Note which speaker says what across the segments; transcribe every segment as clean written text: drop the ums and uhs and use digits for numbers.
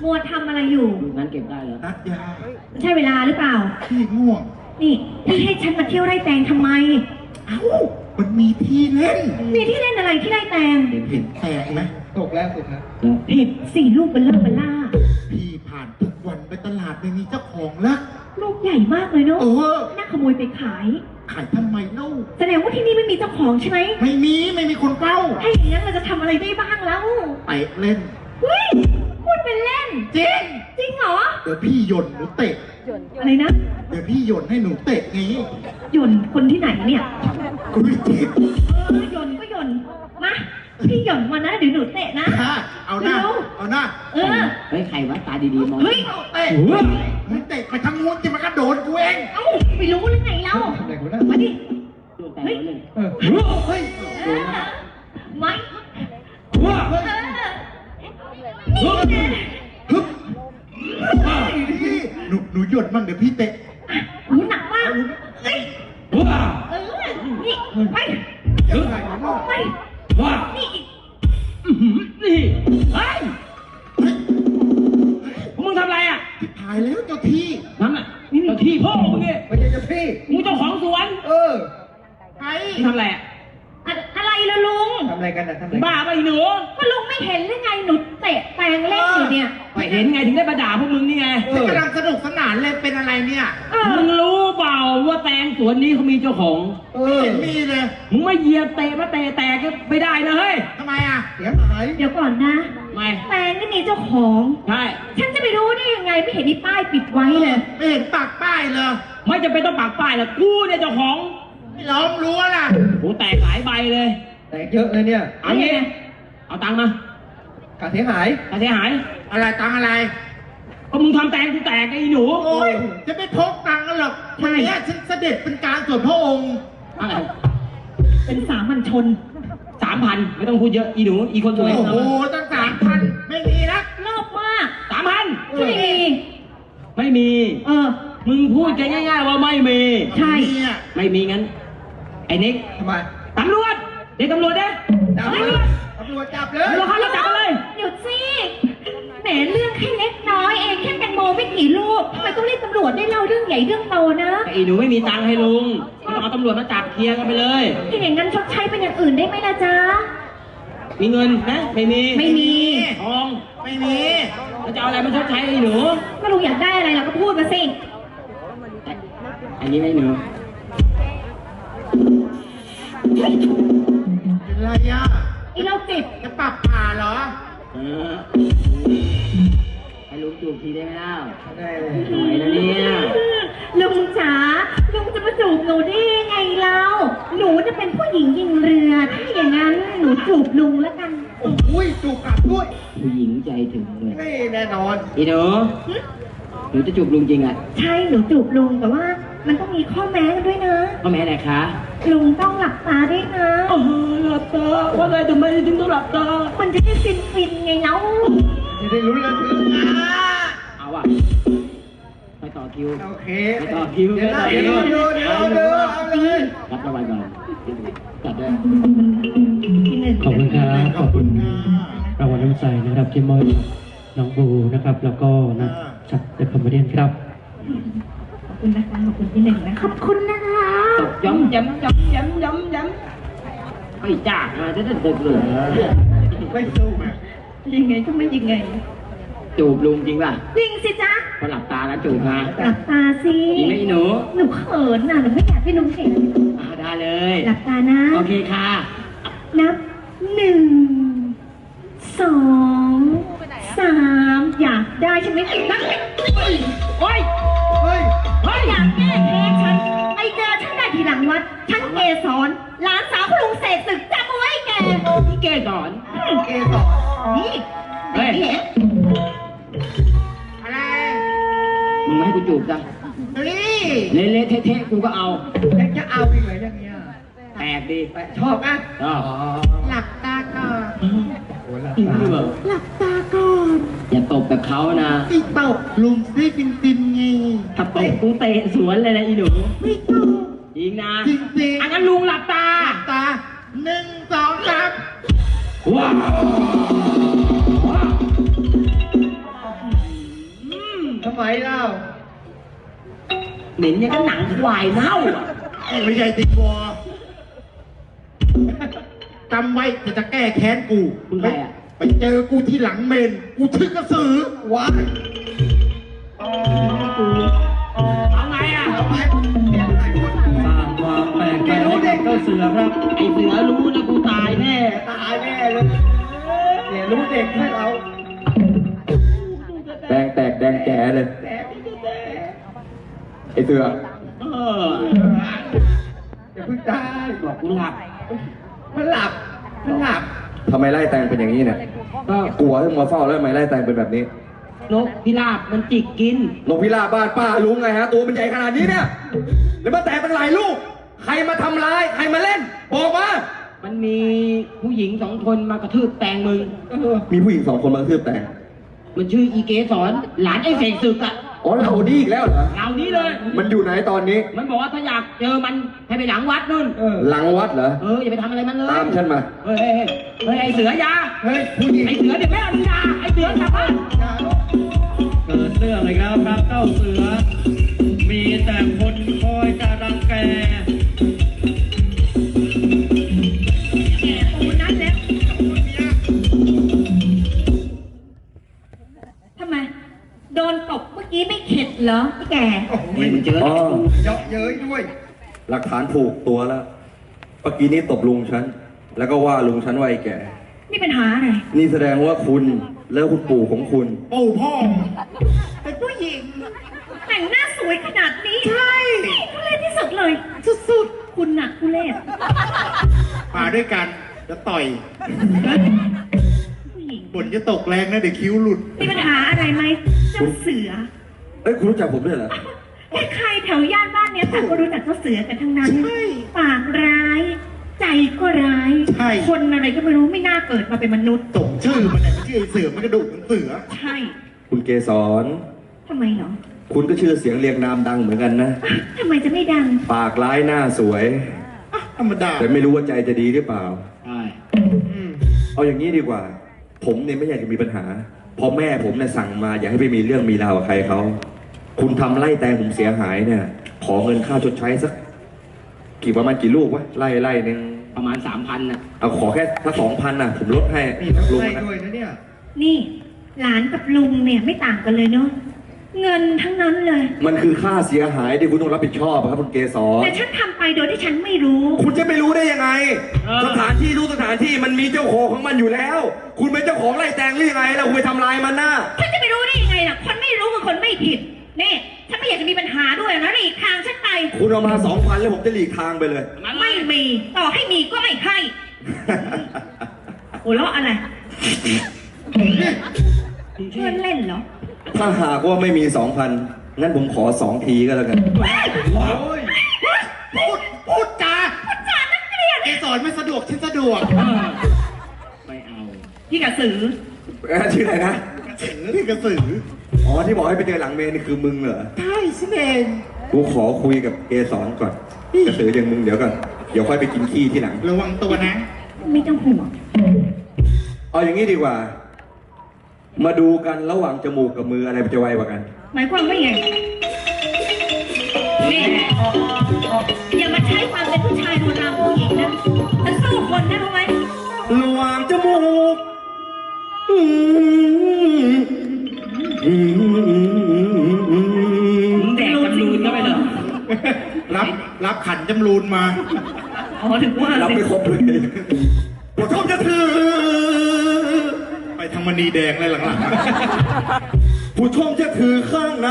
Speaker 1: มัวทำอะไรอยู่
Speaker 2: งั้นเก็บได้เหรอ
Speaker 3: นัดยา
Speaker 1: ใช่เวลาหรือเปล่า
Speaker 3: พี่ง่วง
Speaker 1: นี่พี่ให้ฉันมาเที่ยวไร่แตงทำไม
Speaker 3: เอ้ามันมีที่เล่น
Speaker 1: มีที่เล่นอะไรที่ไร่แตง
Speaker 3: เห็นแตงไหม
Speaker 4: ตกแล้วตกแล้ว
Speaker 1: เห็ดสี่ลูกเบลล่า
Speaker 3: พี่ผ่านทุกวันไปตลาดไม่มีเจ้าของแล้ว
Speaker 1: ลูกใหญ่มากเลยเนาะน่าขโมยไปขาย
Speaker 3: ทำไมเล่า
Speaker 1: แสดงว่าที่นี่ไม่มีเจ้าของใช่ไหม
Speaker 3: ไม่มีคนเฝ้า
Speaker 1: ถ้าอย่างนั้นเราจะทำอะไรได้บ้างแล้ว
Speaker 3: ไปเล่น
Speaker 1: เฮ้ยพูดเป็นเล่นจริงเหรอ
Speaker 3: เดี๋ยวพี่หย่นหนูเตะ
Speaker 1: อะไรนะ
Speaker 3: เดี๋ยวพี่หย่นให้หนูเตะไง
Speaker 1: หย่นคนที่ไหนเนี่ย
Speaker 3: คุณวิจิต
Speaker 1: หย่นก็หย่นมาพี่หย่นมานะเดี๋ยวหนูเตะนะ
Speaker 3: เอาหน้า
Speaker 2: เฮ้ยใครวะตาดีๆมอง
Speaker 1: เฮ้ย
Speaker 3: เตะมึงเตะไปทางงูจะมันกระโดดกูเอง
Speaker 1: เอ้าไม่รู้หรือไงเรามาดิเฮ้ยไม่
Speaker 3: หนูหย่นมั่งเดี๋ยวพี่เตะ
Speaker 1: หนูหนักมากเฮ้ยนี่ไปไปนี่
Speaker 2: นี่เฮ้ยมึงทำอะไรอ่ะ
Speaker 3: ถ่ายแล้วเจ้าที่
Speaker 2: นั่นน่ะเจ้าที่พ่อมึงเนี่ย
Speaker 4: ไม่ใช่เจ้าที่
Speaker 2: มึงเจ้าของสวน
Speaker 1: ใคร
Speaker 2: ทำอะไรอ่ะ
Speaker 1: อะไรล่ะลุง
Speaker 4: ทำอะไรกันนะทำอะไร
Speaker 2: บ้าไปหนู
Speaker 1: ก็ลุงไม่เห็นหรือไงหนูเตะแปลงเล่นอยู่เนี่ย
Speaker 2: ไม่เห็นไงถึงได้มาด่าพวกมึงนี่ไง
Speaker 3: กำลังสนุกสนานเลยเป็นอะไรเนี่ย
Speaker 2: มึงรู้เปล่าว่าแตงสวนนี้เขามีเจ้าของ
Speaker 3: เห็นมีเลย
Speaker 2: มึงไม่เหยียบเตะมาเตะแตกก็ไม่ได้นะเฮ้ย
Speaker 3: ทำไมอ่ะ
Speaker 4: เสียหาย
Speaker 1: เดี๋ยวก่อนนะ
Speaker 2: ไม่
Speaker 1: แปลงนี่มีเจ้าของ
Speaker 2: ใช่
Speaker 1: ฉันจะไปรู้ได้ยังไงไม่เห็นมีป้ายปิดไว้เลย
Speaker 3: ไม่เห็นปักป้ายเลย
Speaker 2: ไม่จะเป็นต้องปักป้ายหรอกกูเนี่ยเจ้าของ
Speaker 3: ไม่ล้อมรั้วล่ะ
Speaker 2: โอ้แตกหลายใบเลย
Speaker 4: แตกเยอะเลยเนี่ย
Speaker 2: เอางี้เอาตังค์มา
Speaker 4: ค่าเสียหาย
Speaker 3: อะไรตังอะไร
Speaker 2: ก็มึงทำแตงกูแตกไอ้หนู
Speaker 3: โอ้ยจะไม่พกตังค์กันหรอกวันนี้ฉันเสด็จเป็นการส่วนพระองค์
Speaker 1: เป็นสามัญชน
Speaker 2: 3,000ไม่ต้องพูดเยอะอีหนูอีคนสวย
Speaker 3: โอ้โหตั้ง3,000ไม่มีนะ
Speaker 1: รอบมาก
Speaker 2: 3,000
Speaker 1: ไม่มี
Speaker 2: มึงพูดกันง่ายๆว่าไม่มี
Speaker 1: ใช่
Speaker 2: ไม่มีงั้นไอ้นิก
Speaker 4: ทำไม
Speaker 2: ตำรวจเด็กตำรวจนะ
Speaker 4: ตำรวจจับเลย
Speaker 2: ตำรวจเขาจับเลย
Speaker 1: หยุดสิแหมเรื่องแค่เล็กน้อยเองแค่แตงโมไม่กี่ลูกทำไมต้องเรียกตำรวจได้เล่าเรื่องใหญ่เรื่องโตนะ
Speaker 2: ไอ้หนูไม่มีตังค์ให้ลุงต้องเอาตำรวจมาจับเคลียร์กันไปเลย
Speaker 1: ถ้าอย่างนั้นชดใช้เป็นอย่างอื่นได้ไหมล่ะจ๊ะ
Speaker 2: มีเงินนะไม่มีทอง
Speaker 3: ไม่มี
Speaker 2: แล้วจะเอาอะไรมาชดใช้ไอ้หนู
Speaker 1: ก็ลุงอยากได้อะไรเราก็พูดมาสิ
Speaker 2: อันนี้ไม่หนู
Speaker 3: เป็นไรอ่ะ
Speaker 1: ไอ้โรคจิต
Speaker 3: จะปรับผ่าเหรอ
Speaker 2: ให้ลุงจูบทีได้ไหมเล่า
Speaker 4: ได้เลย
Speaker 2: สวยนะเนี่ย
Speaker 1: ลุงจ๋าลุงจะมาจูบหนูได้ไงเล่าหนูจะเป็นผู้หญิงยิงเรือถ้าอย่างนั้นหนูจูบลุงแล้วกัน
Speaker 4: โอ้ยจูบกลับด้วย
Speaker 2: ผู้หญิงใจถึงเลย
Speaker 4: ไม่แน่นอน
Speaker 2: อีหนูจะจูบลุงจริงอ่ะ
Speaker 1: ใช่หนูจูบลุงแต่ว่ามันต้องมีข้อแม้กันด้วยนะ
Speaker 2: ข้อแม้อะไรคะ
Speaker 1: ลุงต้องหลับตาด้วยนะ
Speaker 2: หลับตาว่าไงทำไมถึงต้องหลับตา
Speaker 1: มันจะได้ฟินไงเล่า
Speaker 4: จะได้รู้แล้ว
Speaker 2: เอาอ่ะไปต่อคิว
Speaker 4: โอเค
Speaker 2: ไปต่อคิว
Speaker 4: เดี๋ยวเอาเลย
Speaker 2: รับรางวัลก่อนจัดด้วย
Speaker 5: ขอบคุณครับขอบคุณรางวัลน้ำใจนะครับที่มอบน้องบูนะครับแล้วก็นักจัดเด็กคอมเมดี้ครับ
Speaker 1: ขอบคุณนะคะขอบคุณที่หนึ่งนะขอบคุณนะคะ
Speaker 2: ย้ำไอ้จ่าจะดึกเลย
Speaker 4: ไม่สู้
Speaker 1: ยังไงก็ไม่ยังไง
Speaker 2: จูบลุงจริงป่ะ
Speaker 1: จริงสิจ๊ะ
Speaker 2: พอหลับตาแล้วจูบมา
Speaker 1: หลับตาสิ
Speaker 2: จริงไหมหนู
Speaker 1: เขินน่ะหนูไม่อยากให้ลุงเห็น
Speaker 2: ได้เลย
Speaker 1: หลับตานะ
Speaker 2: โอเคค่ะ
Speaker 1: นับ1 2 3อยากได้ใช่ไหมนับ
Speaker 2: โอ้ย
Speaker 1: อยากแก้แค้นฉันไอเจอฉันได้ทีหลังวัดฉันเกสรหลานสาวคุณลุงเสกศึกจำเอาไว้แก
Speaker 2: เกสร
Speaker 1: นี่
Speaker 2: เฮ้ย
Speaker 3: อะไร
Speaker 2: มึงไม่ให้กูจูบจ้ะเละเทะกูก็เอา
Speaker 4: ยังจะเอาอีกเหรออย่างเงี้ย
Speaker 2: แปลกดี
Speaker 4: ชอบอ่ะ
Speaker 3: หลับตาก่อน
Speaker 1: หลับตาก่อน
Speaker 2: อย่าตบแบบเขานะ
Speaker 3: ไม่ตบลุงได้ฟินไง
Speaker 2: ถ้าตบกูเตะสวนเลยนะอีหนู
Speaker 3: ไม่ตบ
Speaker 2: จริงนะ
Speaker 3: จริง
Speaker 2: อันนั้นลุงหลับตา
Speaker 3: 1 2 3
Speaker 2: ว้าว
Speaker 4: มเล่า
Speaker 2: เหม็นอย่างกับหนังควายเน่าอ่ะ
Speaker 3: ไม่ใช่ติดวอจำไว้จะแก้แค้นกู
Speaker 2: มึงใครอ่ะ
Speaker 3: ไปเจอกูที่หลังเมน กูชื่อกระสือ
Speaker 4: ว้าย
Speaker 2: เอาไงอ่ะ
Speaker 4: เอาไปเดี๋ยวไหนคน
Speaker 5: สร้างความแปลกใจให้กับเจ้าเสือครับ
Speaker 2: ไอเสือรู้นะกูตายแน่
Speaker 4: ตายแน่เลยเนี่ยรู้เด็กให้เรา
Speaker 6: แดงแตกแดงแก่เลย ไอเสือ
Speaker 2: เออ
Speaker 4: อย่าเพิ่งตาย
Speaker 2: บอกกูหลับ
Speaker 4: มันหลับมันหลับ
Speaker 6: ทำไมไล่แตงเป็นอย่างนี้เนี่ย
Speaker 2: ก็
Speaker 6: กลัวที่มาเฝ้าแล้วทำไมไล่แตงเป็นแบบนี้
Speaker 2: นกพิราบมันจิกกิน
Speaker 6: นกพิราบบ้านป้าลุงไงฮะ ตัวมันใหญ่ขนาดนี้เนี่ย แล้วมาแตกตั้งหลายลูก ใครมาทำร้าย ใครมาเล่น บอกมา
Speaker 2: มันมีผู้หญิง2 คนมากระทืบแตงมึง
Speaker 6: มีผู้หญิง2 คนมากระทืบแตง
Speaker 2: มันชื่ออีเกสรหลานไอ้เสกศึกอะ
Speaker 6: อ๋อเรานี่อีกแล้วเหรอ
Speaker 2: เรานี้เลย
Speaker 6: มันอยู่ไหนตอนนี้
Speaker 2: มันบอกว่าถ้าอยากเจอมันให้ไปหลังวัดนู่น
Speaker 6: หลังวัดเหรอ
Speaker 2: อย่าไปทำอะไรมันเลย
Speaker 6: ตามฉันมา
Speaker 2: เฮ้ยไอ้เสือยา
Speaker 4: เฮ้ยผู้หญิง
Speaker 2: ไอ้เสือเดี๋ยวแม่เอามึงยาไอ้เสือกลับบ้าน
Speaker 4: อย่าลูก
Speaker 5: เกิดเรื่องเลยครับครับเจ้าเสือ มีแต่คนคอยจะรังแก
Speaker 1: ปูนัดแล้วทำไม โดนตบเมื่อกี้ไม่เข็ดเหรอพี่แก
Speaker 2: นี่มึงเจอ
Speaker 6: อ๋อ
Speaker 4: เยาะเย้ยด้วย
Speaker 6: หลักฐานผูกตัวแล้วเมื่อกี้นี้ตบลุงฉัน แล้วก็ว่าลุงฉันว่าไอ้แก่
Speaker 1: นี่ปัญหาอะไร
Speaker 6: นี่แสดงว่าคุณแล้วคุณปู่ของคุณ
Speaker 3: ปู่พ่อ
Speaker 1: เป็นผู้หญิง แต่งหน้าสวยขนาดนี้ ใช่ทุเรศที่สุดเลย สุดๆ คุณน่ะทุเรศ
Speaker 3: มาด้วยกัน จะต่อย
Speaker 1: ผู้หญิง
Speaker 3: ฝนจะตกแรงนะเดี๋ยวคิ้วหลุด
Speaker 1: มีปัญหาอะไรไหมเจ้าเสือ
Speaker 6: เอ้ยคุณรู้จักผมด้วยเหรอ
Speaker 1: ใครๆแถวย่านบ้านเนี้ยต่างก็รู้จักเจ้าเสือกันทั้งนั้น
Speaker 3: ใช่
Speaker 1: ปากร้าย ใจก็ร้าย
Speaker 3: ใช่
Speaker 1: คนอะไรก็ไม่รู้ไม่น่าเกิดมาเป็นมนุษย์
Speaker 3: สมชื่อมันเนี่ยชื่อไอ้เสือมันกระดูกมันเสือ
Speaker 1: ใช่
Speaker 6: คุณเกสร
Speaker 1: ทำไมเหรอ
Speaker 6: คุณก็ชื่อเสียงเรียงนามดังเหมือนกันนะ
Speaker 1: ทำไมจะไม่ดัง
Speaker 6: ปากร้ายหน้าสวย
Speaker 3: ธรรมดา
Speaker 6: แต่ไม่รู้ว่าใจจะดีหรือเปล่า
Speaker 2: ใช่
Speaker 6: เอาอย่างนี้ดีกว่า ผมเนี่ยไม่อยากจะมีปัญหาเพราะแม่ผมเนี่ยสั่งมาอย่าให้ไปมีเรื่องมีราวกับใครเขา คุณทำไล่แตงผมเสียหายเนี่ย ขอเงินค่าชดใช้สักประมาณกี่ลูกวะไล่หนึ่ง
Speaker 2: ประมาณ 3,000น่ะ
Speaker 6: เอาขอแค่สัก2,000น่ะ ผมลดให้
Speaker 4: มีน้ำ
Speaker 6: ลุง
Speaker 4: ใจ
Speaker 6: นะ
Speaker 4: ด้วยนะเนี่ย
Speaker 1: นี่ หลานกับลุงเนี่ยไม่ต่างกันเลยเนาะ เงินทั้งนั้นเลย
Speaker 6: มันคือค่าเสียหายที่คุณต้องรับผิดชอบอะครับคุณเกสร
Speaker 1: แต่ฉันทำไปโดยที่ฉันไม่รู้
Speaker 6: คุณจะไม่รู้ได้ยังไง สถานที่รู้สถานที่มันมีเจ้าของของมันอยู่แล้ว คุณเป็นเจ้าของไล่แตงหรือยังไงแล้วคุณไปทำลายมันน่ะ
Speaker 1: ฉันจะไปรู้ได้ยังไงล่ะ คนไม่รู้กับคนไม่ผิดนี่ฉันไม่อยากจะมีปัญหาด้วยนะหลีกทางฉันไป
Speaker 6: คุณเอามา2,000แล้วผมจะหลีกทางไปเลย
Speaker 1: ไม่มี ต่อให้มีก็ไม่ให้โอ้ล้ออะไรเพื่อนเล่นเหรอ
Speaker 6: ถ้าหากว่าไม่มี 2,000 งั้นผมขอ2 ทีก็แล้วกัน
Speaker 4: โอ้ย
Speaker 3: พูดจา
Speaker 1: จานักเรียน
Speaker 3: ไอ้สอนไม่สะดวกฉันสะดวก
Speaker 2: ไม่เอา
Speaker 1: พี่กระสือ
Speaker 6: ชื่ออะไรนะ
Speaker 3: กระสือพี่กระสือ
Speaker 6: อ๋อที่บอกให้ไปเจอหลังเมนนี่คือมึงเหรอ
Speaker 3: ใช่ฉันเอง
Speaker 6: กูขอคุยกับเกสรก่อน กระสืออย่างมึงเดี๋ยวก่อน เดี๋ยวค่อยไปกินขี้ที่หลัง
Speaker 3: ระวังตัวนะ
Speaker 1: ไม่ต้องห่วง
Speaker 6: เอาอย่างนี้ดีกว่า มาดูกันระหว่างจมูกกับมืออะไรมันจะไวกว่ากัน
Speaker 1: หมายความว่าไงนี่อย่ามาใช้ความเป็นผู้ชายโบราณผู้หญิงนะฉันสู้คนนะรู้ไหม
Speaker 6: ระหว่างจมูก
Speaker 2: มึงแดกจำรูนเข้าไปเหรอ
Speaker 3: รับขันจำรูนมา
Speaker 1: อ๋อถึงว่า
Speaker 6: รับ
Speaker 1: สิ
Speaker 6: ไม่ครบเลยปวดท้องจะถือ
Speaker 3: ไปทางมณีแดงเลยหลัง
Speaker 6: ผู้ชมจะถือข้างใน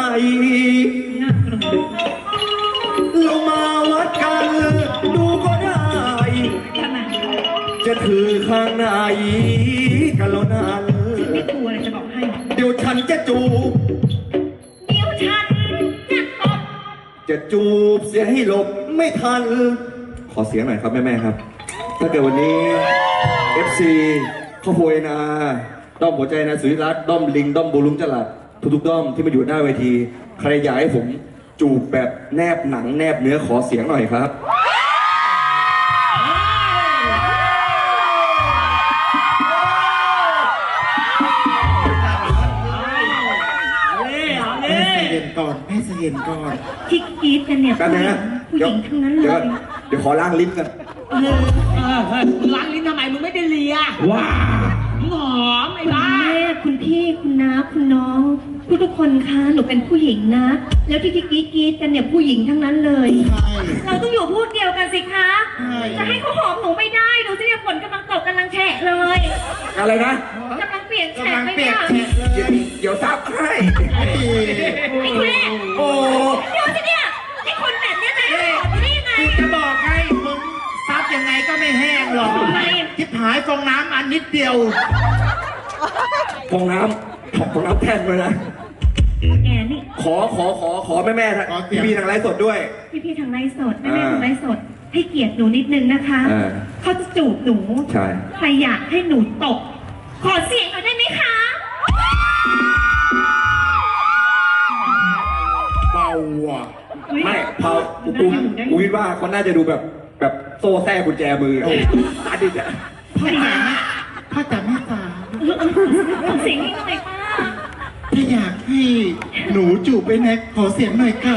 Speaker 6: เรามาวัดกันดูก็ได้
Speaker 1: ทำไม
Speaker 6: จะถือข้างในกันแล้วนั้น
Speaker 1: ฉันไม่กลัวเลยจะบอกให้
Speaker 6: เดี๋ยวฉันจะจูบ
Speaker 1: เดี๋ยวฉันจะตบ
Speaker 6: จะจูบเสียให้หลบไม่ทัน ขอเสียงหน่อยครับแม่ๆครับ ถ้าเกิดวันนี้ FC ข้าวโพยนาด้อมหัวใจนะสุริรัตน์ด้อมลิงด้อมบูลุงจลัดทุกๆด้อมที่มาอยู่หน้าเวที ใครอยากให้ผมจูบแบบแนบหนังแนบเนื้อขอเสียงหน่อยครับ
Speaker 2: เอาเลย
Speaker 3: นก่อนแม่ใจเย็นก่อน
Speaker 1: ที่กรีดกันเนี่ย
Speaker 6: แป๊บนึงนะ
Speaker 1: ผู้หญิงทั้งนั้นเล
Speaker 6: เดี๋ยวย เดี๋ยวขอล้างลิ้นกัน
Speaker 1: เออ
Speaker 2: มึงล้างลิ้นทำไมมึงไม่ได้เลีย
Speaker 5: ว้า
Speaker 2: มึงหอมไอ้
Speaker 1: คุณ
Speaker 2: บ้า
Speaker 1: แม่คุณพี่คุณน้าคุณน้องทุกคนคะหนูเป็นผู้หญิงนะ แล้วที่กรีดกันเนี่ยผู้หญิงทั้งนั้นเลย
Speaker 3: ใช่
Speaker 1: เราต้องอยู่พูดเดียวกันสิคะ
Speaker 3: ใช่
Speaker 1: จะให้เขาหอมหนูไม่ได้ดูสิเนี่ยฝนกำลังตกกำลังแฉะเลย
Speaker 6: อะไรนะ
Speaker 1: กำลังเปลี่ยนแฉะ
Speaker 3: กำลัง
Speaker 1: ไป
Speaker 3: เปีย
Speaker 1: เนี่
Speaker 3: ก
Speaker 1: ย
Speaker 3: แฉะเลย
Speaker 6: เดี๋ยวซับให้
Speaker 3: ไอ้
Speaker 1: ไอ้ทุเรศ
Speaker 6: โอ้
Speaker 1: เดี๋ยวสิเนี่ยไอ้คนแบบเนี้ยนะหอมอยู่ได้ยังไง
Speaker 3: กูจะบอกให้มึงซับยังไงก็ไม่แห้งหรอก
Speaker 1: ทำไม
Speaker 3: ทิพหายฟองน้ำอันนิดเดียว
Speaker 6: ฟองน้ำแท่นเลยนะ
Speaker 1: แกนี่
Speaker 6: ขอแม่ๆทาง
Speaker 3: ขอเสียง
Speaker 6: พี่ๆทางไลฟ์สดด้วย
Speaker 1: พี่ทางไลฟ์สดแม่ทางไลฟ์สด ให้เกียรติหนูนิดนึงนะคะ
Speaker 6: อ่า
Speaker 1: เขาจะจูบหนู
Speaker 6: ใช่
Speaker 1: ใครอยากให้หนูตก ขอเสียงหน่อยได้ไหมคะ
Speaker 3: เบาอ่ะ
Speaker 6: ไม่พอกูคิดว่าเขาน่าจะดูแบบโซ่แท้กุญแจมืออะอันนี้จะ
Speaker 3: พ่อจ๋าแม่จ๋า
Speaker 1: ขอเสียงนิดหน่อยป้า
Speaker 3: ถ้าอยากให้หนูจูบไปแน็กขอเสียงหน่อยค่ะ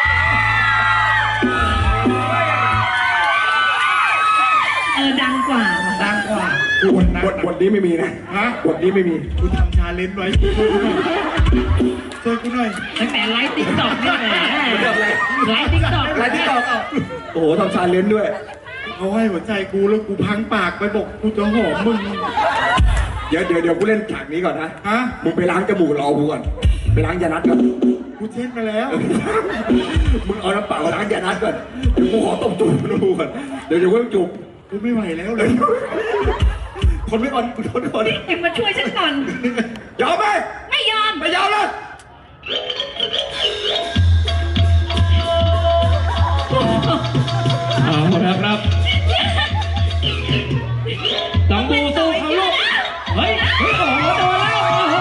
Speaker 1: ดังกว่าว่ะ
Speaker 3: ดังกว่า
Speaker 6: บทนี้ไม่มีนะ
Speaker 3: ฮะ
Speaker 6: บทนี้ไม่มี
Speaker 3: กูทำชาเลนจ์ไว้ช่วยกูหน่อย
Speaker 2: ตั้งแต่ไลฟ์ติ๊กต็อกนี่แหละ
Speaker 6: เรื่องอะไร
Speaker 2: ไลฟ์ติ๊กต็อก
Speaker 6: อะไรที่ตอบโอ้โหทำชาเลนจ์ด้วย
Speaker 3: เขาให้หัวใจกูแล้วกูพังปากไปบอกกูจะหอมมึง
Speaker 6: เดี๋ยวกูเล่นฉากนี้ก่อนนะ
Speaker 3: ฮะ
Speaker 6: มึงไปล้างจมูกรอกูก่อน ไปล้างยานัดก่อน
Speaker 3: กูเช็ดมาแล้ว
Speaker 6: มึงเอาน้ำเปล่าล้างยานัดก่อน เดี๋ยวกูขอตบจูบดูก่อน เดี๋ยวกูจูบ
Speaker 3: กูไม่ไหวแล้วเลย
Speaker 6: ทนไว้ก่อนกูทนไว้ก่อน
Speaker 1: เอ็มมาช่วยฉันก่อน
Speaker 6: ยอมไหม
Speaker 1: ไม่ยอม
Speaker 6: ไม่ยอมเลย
Speaker 5: เอาละครับต้องดูสู้เขาลูกเฮ้ยโอ้โหโดนแล้วโอ้โห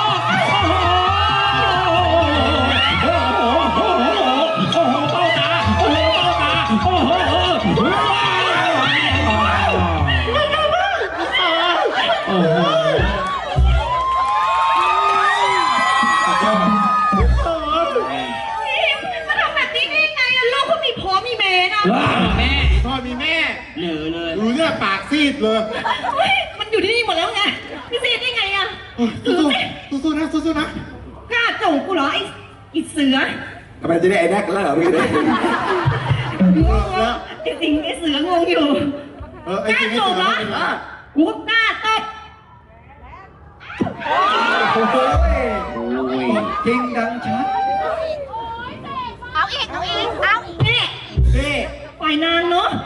Speaker 5: โอ้โหโอ้โหโอ้โหเป้าตาโอ้โหเป้าตาโอ้โหโอ้โห
Speaker 1: มาทำแบบนี้ได้ยังไงอะลูกเขามีพ่อมีแม่นะ
Speaker 5: ว้า
Speaker 2: แม่
Speaker 3: พ่อมีแม่
Speaker 2: เหลือเลย
Speaker 3: ดูเนี่ยปากซีดเลย
Speaker 1: เฮ้ยมันอยู่ที่นี่หมดแล้วไงพี่เซนได้ไงอะ
Speaker 3: สู้ๆนะสู้ๆนะ
Speaker 1: กล้าจูบกูเหรอไอ้เสือ
Speaker 6: ทำไมจะได้ไอ้แดกแล้วเหรอพี่
Speaker 1: จริงๆไอ้เสืองงอยู่
Speaker 3: ไอ้จริงไอ้เสือ
Speaker 1: กูก็กล้าตบ
Speaker 6: โอ้ยจริงดังชัด
Speaker 1: เอาอีกนี่
Speaker 3: นี่
Speaker 1: ปล่อยนางเนาะ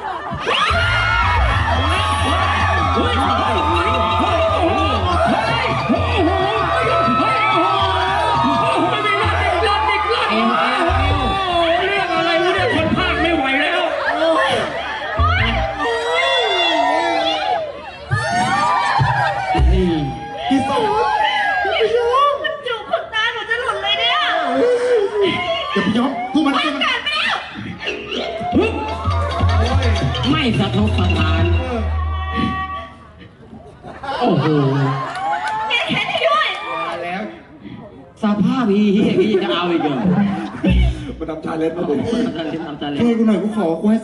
Speaker 2: เอ็ม
Speaker 5: เรื่องอะไรวะเนี่ยคนพากไม่ไหวแล้ว นี่
Speaker 3: ที่สุด
Speaker 1: ไม่รู้มันจูบขนตาหนูจะหลุดเลยเนี่ย
Speaker 3: อย่าไปยอมสู้มันสู้มัน
Speaker 1: กัดไปแล้ว
Speaker 2: ไม่สะทกสะท้าน
Speaker 5: โอ้โห
Speaker 1: แกแขนให้ด้วย
Speaker 3: มาแล้ว
Speaker 2: สภาพพี่จะเอาอีกเหรอ
Speaker 6: มาทำชาเลนจ์มาผม
Speaker 2: ทำตาเล่นทำตาเล่น
Speaker 3: ช่วยกูหน่อยกูขอกูให้200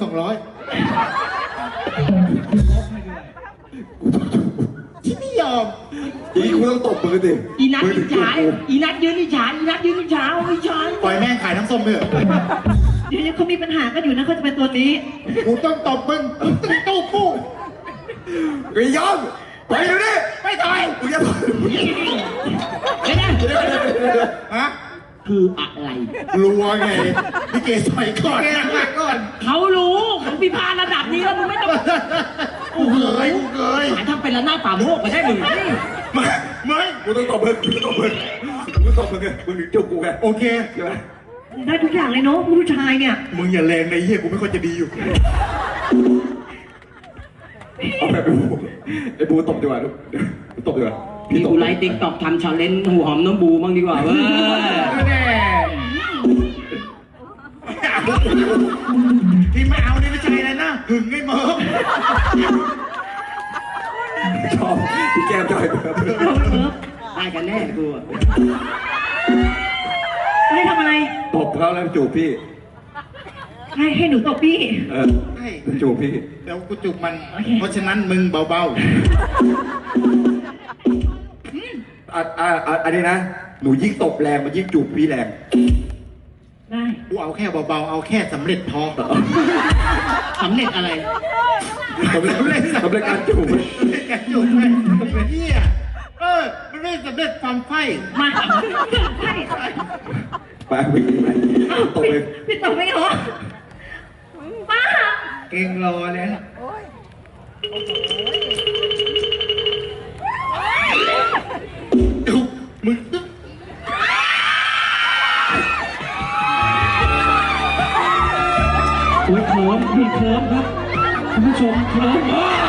Speaker 3: ที่ไม่ยอม
Speaker 6: อีกูต้องตบมือสิ
Speaker 2: อีนัทอิจฉาอีนัทยืนอิจฉาอีนัทยืนอิจฉาอิจฉา
Speaker 3: ปล่อยแม่งขายน้ำส้มเถอะ
Speaker 1: เดี๋ยวเขามีปัญหากันอยู่นะเขาจะเป็นตัวนี้
Speaker 3: กูต้องตบมึงต้องตู้กู
Speaker 6: ไม่ยอมไปเดี๋ยวนี้
Speaker 3: ไม่ต่อย
Speaker 6: กูจะต่อย
Speaker 2: เดี๋ยวนะ
Speaker 3: ฮะ
Speaker 2: คืออะไร
Speaker 3: รัวไงพี่เกต่อยก่อนก่อน
Speaker 2: เขารู้ของพิพาระดับนี้แล้วมึงไม่ต้อง
Speaker 3: กูเคย
Speaker 2: หาทำเป็นระนาดป่าโมกไปได้มึง
Speaker 6: ไม่กูต้องตบมึงกูต้องตบมึงมึงถึงจุกกูไง
Speaker 3: โอเค
Speaker 6: ใช่ไหม
Speaker 1: ได้ทุกอย่างเลยเนาะผู้ชายเนี่ย
Speaker 3: มึงอย่าแรงในเฮียกูไม่ค่อยจะดีอยู่
Speaker 6: เอาแบบไอ้บูตบดีกว่าตบดีกว่า
Speaker 2: พี่กูไลฟ์ติ๊กต็อกทำชาเลนจ์หูหอมน้องบูบ้างดีกว่าเว้ย
Speaker 3: แน่ที่ไม่เอานี่ไม่ใช่อะไรนะหึงไอ้เมิร์ฟ
Speaker 6: ชอบพี่แก้มจอยแบบ
Speaker 2: ได้กันแน่กูอะ
Speaker 1: ให้
Speaker 6: ตบเขาแล้วจูบพี่
Speaker 1: ให้หนูตบพี่
Speaker 3: ใช่
Speaker 6: จูบพี่
Speaker 3: เดี๋ยวกูจูบมัน
Speaker 1: โอเค
Speaker 3: เพราะฉะนั้นมึงเบา
Speaker 6: อันนี้นะ หนูยิ่งตบแรงมันยิ่งจูบพี่แรง
Speaker 1: ได้
Speaker 3: ๆ กูเอาแค่เบาๆ เอาแค่สำเร็จพอสำเร็จอะไร
Speaker 6: สำเร็จการจูบ
Speaker 3: แกจูบไปไอ้เหี้ยมันไม่สำเร็จความไฟ
Speaker 1: มาใช่
Speaker 6: ไปวิ่งไปตบไป
Speaker 1: พี่ตบไม่เหรอป้า
Speaker 4: เก่งรอเลยนะ
Speaker 3: จูบมึง
Speaker 5: โอ้ยเคิร์มมีเคิร์มครับคุณผู้ชมเคิร์ม